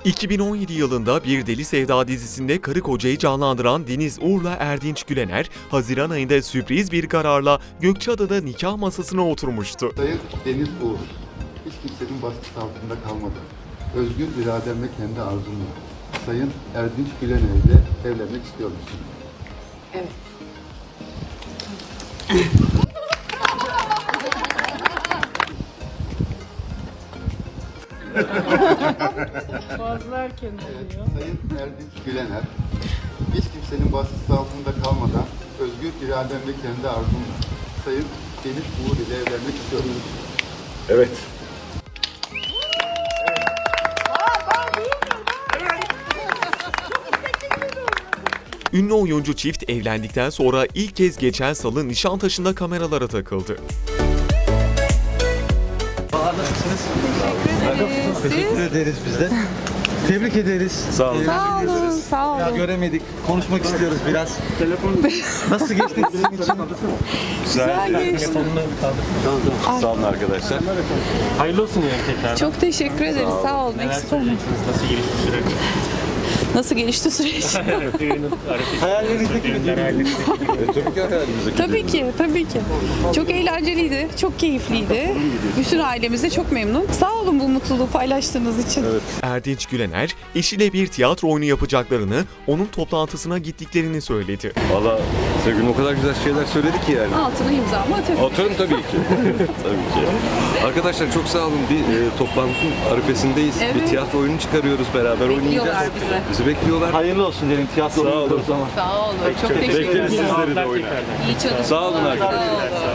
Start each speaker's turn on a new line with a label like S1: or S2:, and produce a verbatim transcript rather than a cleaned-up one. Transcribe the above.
S1: iki bin on yedi yılında Bir Deli Sevda dizisinde karı kocayı canlandıran Deniz Uğur'la Erdinç Gülener, Haziran ayında sürpriz bir kararla Gökçeada'da nikah masasına oturmuştu.
S2: Sayın Deniz Uğur, hiç kimsenin baskısı altında kalmadan, özgür iradem ve kendi arzumla Sayın Erdinç Gülener ile evlenmek istiyor musun?
S3: Evet.
S4: Fazla erken oluyor.
S2: Sayın Erdinç Gülener, hiç kimsenin baskısı altında kalmadan, özgür iradem ve kendi arzumla Sayın Deniz Uğur ile evlenmek istiyor musun?
S5: Evet.
S1: Ünlü oyuncu çift evlendikten sonra ilk kez geçen salı Nişantaşı'nda kameralara takıldı.
S6: Teşekkür ederiz biz de. Tebrik ederiz.
S5: Sağ olun.
S4: Sağ olun, sağ
S6: Ya
S4: olun.
S6: göremedik. Konuşmak istiyoruz biraz. Nasıl geçti sizin için?
S4: Güzel geçti.
S5: Sağ olun arkadaşlar.
S7: Hayırlı olsun yani tekrar.
S4: Çok teşekkür ederiz. Sağ olun.
S7: Neler
S4: Eksik olmayın.
S7: söyleyeceksiniz? Nasıl gelişti süreç?
S4: Nasıl gelişti süreç?
S7: Düğünün arifesi.
S6: Hayallerinizdeki bir
S7: Düğünler hallettik.
S5: Tabii ki hayalimizdeki.
S4: Tabii ki, tabii ki. Çok eğlenceliydi, çok keyifliydi. Bütün ailemiz de çok memnun. Sağ olun bu mutluluğu paylaştığınız için.
S1: Erdinç Gülener, eşiyle bir tiyatro oyunu yapacaklarını, onun toplantısına gittiklerini söyledi.
S5: Valla Sevgin o kadar güzel şeyler söyledi ki yani.
S4: Altına imzamı atarım.
S5: Atarım tabii ki. Tabii ki. Arkadaşlar çok sağ olun. Bir e, toplantının arifesindeyiz.
S4: Evet.
S5: Bir tiyatro oyunu çıkarıyoruz. Beraber oynayacağız.
S4: Bekliyorlar bizi.
S5: Bizi bekliyorlar.
S6: hayırlı olsun dedim. Tiyatro
S5: Sağ olun.
S6: oynuyoruz ama.
S4: Sağ olun, çok teşekkür
S5: Bekleriz
S4: ederim.
S5: sizleri de oyuna.
S4: İyi çalışmalar.
S5: Sağ olun
S4: Sağ
S5: arkadaşlar.
S4: olun.